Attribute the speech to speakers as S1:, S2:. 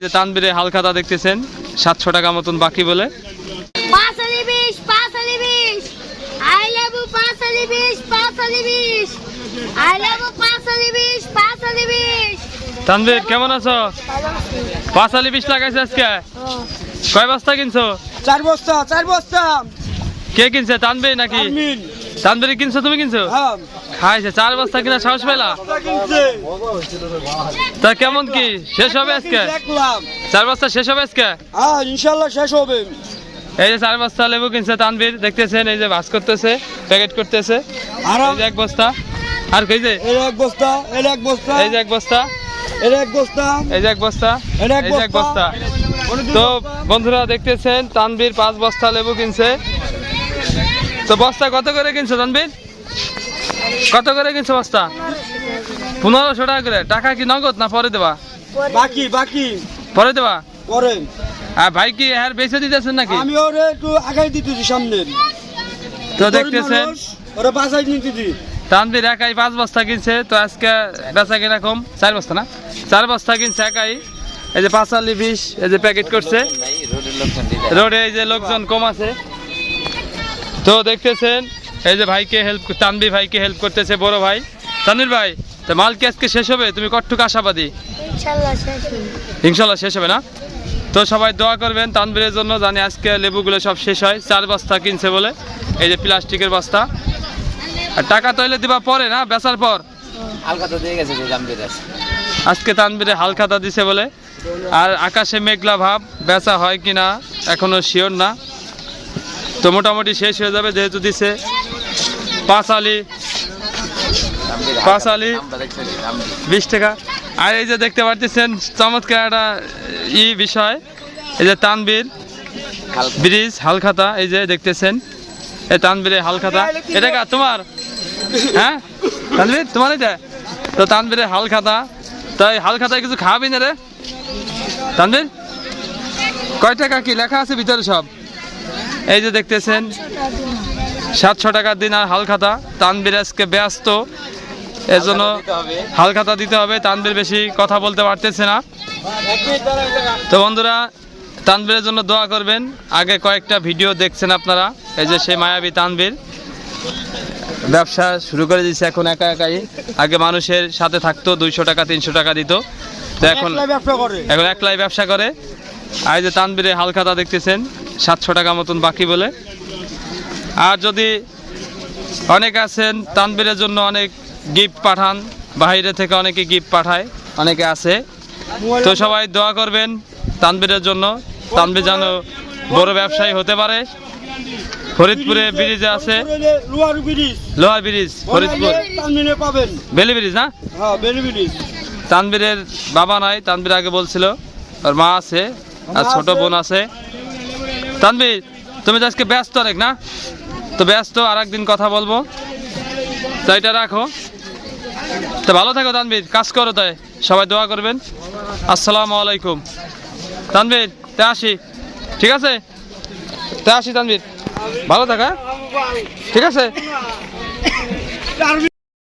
S1: তানবীরে হালখাতা দেখতেছেন 700 টাকা মতন বাকি বলে। তানবীর কেমন আছো? 520 লাগাইছে আজকে। কয় বস্তা কিনছো?
S2: 4 বস্তা 4 বস্তা।
S1: কে কিনছে, তানবীর নাকি? তানবীর কিনছো, তুমি কিনছো?
S2: হ্যাঁ
S1: খাইছে 4 বস্তা কিনা সাহস পেলা? তা কেমন কি শেষ হবে আজকে? 4 বস্তা শেষ হবে আজকে?
S2: হ্যাঁ ইনশাআল্লাহ শেষ হবে।
S1: এই যে 4 বস্তা লেবু কিনছে তানবীর, দেখতেছেন এই যে ভাঁজ করতেছে, প্যাকেট করতেছে।
S2: আর
S1: এই যে 1 বস্তা, আর কই যে
S2: এই 1 বস্তা, এই 1 বস্তা,
S1: এই যে 1 বস্তা,
S2: এই 1 বস্তা,
S1: এই যে 1 বস্তা,
S2: এই
S1: এই যে 1 বস্তা। তো বন্ধুরা দেখতেছেন তানবীর 5 বস্তা লেবু কিনছে। তো বস্তা কত করে কিনছো তানবীর? কত করে কিনছো বস্তা? 1500 টাকা করে। টাকা কি নগদ না পরে দেবা?
S2: বাকি বাকি
S1: পরে দেবা?
S2: পরে।
S1: আর ভাই কি হ্যাঁ বেচে দিতেছেন নাকি?
S2: আমি ওরে একটু আগাই দিতেছি সামনে।
S1: তো দেখতেছেন
S2: ওরে বাসাই নিতেছি।
S1: তানবীর একাই 5 বস্তা কিনছে। তো আজকে বেচা কিনা কম, 4 বস্তা না, 4 বস্তা কিনছে একাই। এই যে 520 এই যে প্যাকেট করছে। রোডে এই যে লোকজন কম আছে। তো দেখতেছেন এই যে ভাইকে হেল্প, তানবীর ভাইকে হেল্প করতেছে বড় ভাই। তানবীর ভাই, তো মাল কি আজকে শেষ হবে? তুমি কতটুকু আশাবাদী? ইনশাল্লাহ শেষ হবে না? তো সবাই দোয়া করবেন তানবীরের জন্য, জানি আজকে লেবুগুলো সব শেষ হয়। 4 বস্তা কিনছে বলে, এই যে প্লাস্টিকের বস্তা। আর টাকা তৈলে দিবা পরে না, বেচার পর?
S3: হালখাতা দিয়ে গেছে যে তানবীর
S1: আজকে তানবীরে হালখাতা দিছে বলে। আর আকাশে মেঘলা ভাব, বেচা হয় কিনা এখনো শিওর না। তো মোটামুটি শেষ হয়ে যাবে যেহেতু দিছে। 5 আলি 20 টাকা। আর এই যে দেখতে পাচ্ছেন চমৎকার একটা বিষয়, এই যে তানবীর ব্রিজ হালখাতা, এই যে দেখতেছেন এই তানবীরে হালখাতা। এটা কা তোমার? হ্যাঁ তানবীর তোমার এটা? তো তানবীরে হালখাতা। তাই হালখাতায় কিছু খাওয়াবি না রে তানবীর? কয় টাকা কি লেখা আছে ভিতরে সব? এই যে দেখতেছেন 700 টাকার দিন। আর হালখাতা তানবীর আজকে ব্যস্ত, এজন্য হালখাতা দিতে হবে। তানবীর বেশি কথা বলতে পারতেছে না। তো বন্ধুরা তানবীরের জন্য দোয়া করবেন। আগে কয়েকটা ভিডিও দেখছেন আপনারা, এই যে সেই মায়াবী তানবীর ব্যবসা শুরু করে দিয়েছে এখন একা একাই। আগে মানুষের সাথে থাকতো, 200 টাকা 300 টাকা দিত, তো এখন একলাই ব্যবসা করে। আর এই যে তানবীরে হালখাতা দেখতেছেন 700 টাকা মতন বাকি বলে। আর যদি অনেক আছেন তানবীরের জন্য অনেক গিফট পাঠান, বাইরে থেকে অনেকে গিফট পাঠায়, অনেকে আছে। তো সবাই দোয়া করবেন তানবীরের জন্য, তানবীর যেন বড় ব্যবসায়ী হতে পারে। ফরিদপুরে ব্রিজে আছে, লোহার ব্রিজ ফরিদপুর, বেলি ব্রিজ না? তানবীরের বাবা নাই, তানবীর আগে বলছিল, ওর মা আছে আর ছোট বোন আছে। তানবীর তুমি তো আজকে ব্যস্ত অনেক না? তো ব্যস্ত, আর একদিন কথা বলবো, তো এটা রাখো। তো ভালো থাকো তানবীর, কাজ করো, তাই সবাই দোয়া করবেন। আসসালামু আলাইকুম। তানবীর তে আসি, ঠিক আছে? তে আসি তানবীর, ভালো থাকা, ঠিক আছে?